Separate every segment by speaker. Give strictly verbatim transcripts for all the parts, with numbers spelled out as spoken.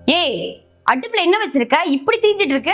Speaker 1: ஏய், அடுப்புல என்ன வச்சிருக்க? இப்படி தீஞ்சிட்டு இருக்கு.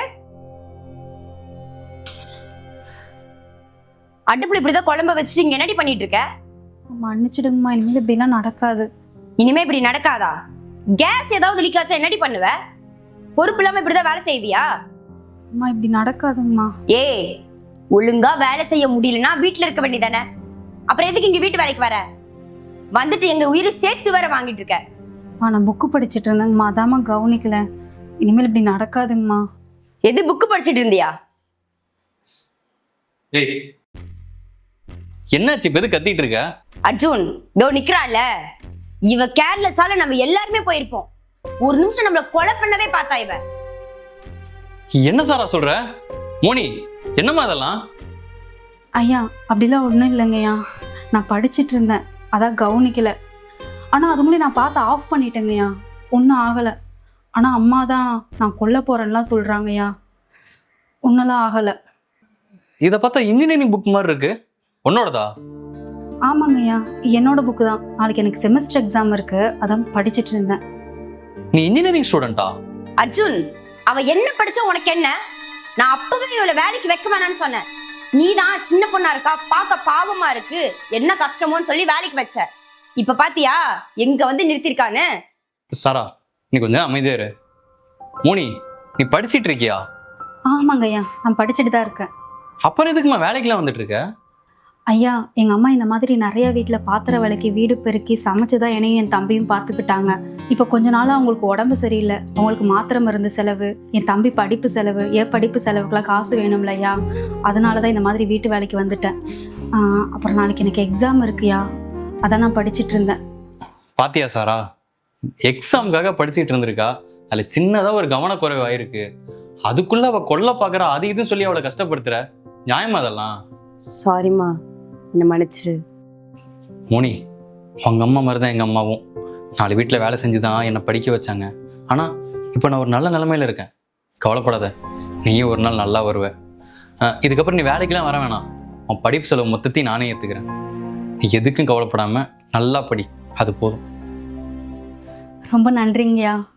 Speaker 1: அடுப்புல இப்படிதான் குழம்ப வச்சுட்டு இங்க என்னடி பண்ணிட்டு இருக்க?
Speaker 2: மன்னிச்சிடுங்கம்மா, இனிமேல் இப்படிலாம் நடக்காது.
Speaker 1: இனிமே இப்படி நடக்காதா? கேஸ் ஏதாவது லீக் ஆச்சா என்னடி பண்ணுவ? பொறுப்பு இல்லாம இப்படிதான் வேலை செய்வியா?
Speaker 2: அம்மா இப்படி நடக்காதுங்கம்மா.
Speaker 1: ஏய், ஒழுங்கா வேலை செய்ய முடியலன்னா வீட்டுல இருக்க வேண்டியதானே? அப்புறம் எதுக்கு இங்க வீட்டு வேலைக்கு வர? வந்துட்டு எங்க உயிரை சேர்த்து வேற வாங்கிட்டு இருக்க.
Speaker 2: அம்மா நான் புக்கு படிச்சுட்டு இருந்தேங்கம்மா, அதாம்மா கவனிக்கல. இனிமேல் இப்படி நடக்காதுங்கம்மா.
Speaker 1: எது புக்கு படிச்சுட்டு இருந்தியா?
Speaker 3: ஏய், என்னாச்சு? இப்ப எது கத்திட்டு இருக்க?
Speaker 1: அர்ஜுன் இதோ நிக்கிறாள்ல, இவ கேர்லெஸ்ஸால நம்ம எல்லாருமே போயிருப்போம். ஒரு நிமிஷம் நம்மள கொலை பண்ணவே பார்த்தா இவ.
Speaker 3: என்ன சாரா சொல்ற? மோனி, என்னம்மா அதெல்லாம்?
Speaker 2: ஐயா அப்படிலாம் ஒன்றும் இல்லைங்கய்யா, நான் படிச்சுட்டு இருந்தேன், அதான் கவனிக்கல. ஆனால் அது மூலம் நான் பார்த்து ஆஃப் பண்ணிட்டேங்கய்யா, ஒன்றும் ஆகலை. ஆனால் அம்மா தான் நான் கொல்ல போகிறேன்லாம் சொல்கிறாங்கய்யா, ஒன்றெல்லாம் ஆகலை.
Speaker 3: இதை பார்த்தா இன்ஜினியரிங் புக் மாதிரி இருக்கு. உன்னோடதா?
Speaker 2: ஆமாங்கய்யா, என்னோட புக்கு தான். நாளைக்கு எனக்கு செமஸ்டர் எக்ஸாம் இருக்கு, அதான் படிச்சுட்டு இருந்தேன்.
Speaker 3: நீ இன்ஜினியரிங் ஸ்டூடெண்டா?
Speaker 1: அர்ஜுன், அவ என்ன படிச்சா உனக்கு என்ன? நான் அப்பவே இவளை வேலைக்கு வைக்க வேணான்னு சொன்னேன். நீதான் சின்ன பொண்ணா இருக்கா, பார்க்க பாவமா இருக்கு, என்ன கஷ்டமோன்னு சொல்லி வேலைக்கு வச்ச. இப்ப பாத்தியா எங்க வந்து நிறுத்திருக்கான்னு?
Speaker 3: சாரா, நீ கொஞ்சம் அமைதியா இரு. மோனி, நீ படிச்சிட்டு இருக்கியா?
Speaker 2: ஆமாங்கய்யா, நான் படிச்சுட்டு தான் இருக்கேன்.
Speaker 3: அப்புறம் எதுக்குமா வேலைக்கெல்லாம் வந்துட்டு இருக்க?
Speaker 2: ஐயா, எங்கள் அம்மா இந்த மாதிரி நிறைய வீட்டில் பாத்திர விளக்கி வீடு பெருக்கி சமைச்சு தான் என்னையும் என் தம்பியும் பார்த்துக்கிட்டாங்க. இப்போ கொஞ்ச நாளாக அவங்களுக்கு உடம்பு சரியில்லை, அவங்களுக்கு மாத்திரை மருந்து செலவு, என் தம்பி படிப்பு செலவு, என் படிப்பு செலவுக்குலாம் காசு வேணும்ல ஐயா, அதனால தான் இந்த மாதிரி வீட்டு வேலைக்கு வந்துட்டேன். அப்புறம் நாளைக்கு எனக்கு எக்ஸாம் இருக்குயா, அதான் நான் படிச்சுட்டு இருந்தேன்.
Speaker 3: பாத்தியா சாரா, எக்ஸாமுக்காக படிச்சுட்டு இருந்திருக்கா, அதில் சின்னதாக ஒரு கவனக்குறைவு ஆயிருக்கு. அதுக்குள்ள அவ கொல்ல பார்க்குறா, அது இதுன்னு சொல்லி அவளை கஷ்டப்படுத்துற. நியாயமா அதெல்லாம்?
Speaker 1: சாரிம்மா, என்ன மன்னிச்சிரு.
Speaker 3: மோனி, உங்க அம்மா மாதிரி தான் எங்கள் அம்மாவும். நாலு வீட்டில் வேலை செஞ்சு தான் என்னை படிக்க வச்சாங்க. ஆனால் இப்போ நான் ஒரு நல்ல நிலைமையில இருக்கேன். கவலைப்படாத, நீயும் ஒரு நாள் நல்லா வருவ. இதுக்கப்புறம் நீ வேலைக்கெல்லாம் வர வேணாம், உன் படிப்பு செலவு மொத்தத்தையும் நானே ஏற்றுக்கிறேன். நீ எதுக்கும் கவலைப்படாமல் நல்லா படி, அது போதும்.
Speaker 2: ரொம்ப நன்றிங்கய்யா.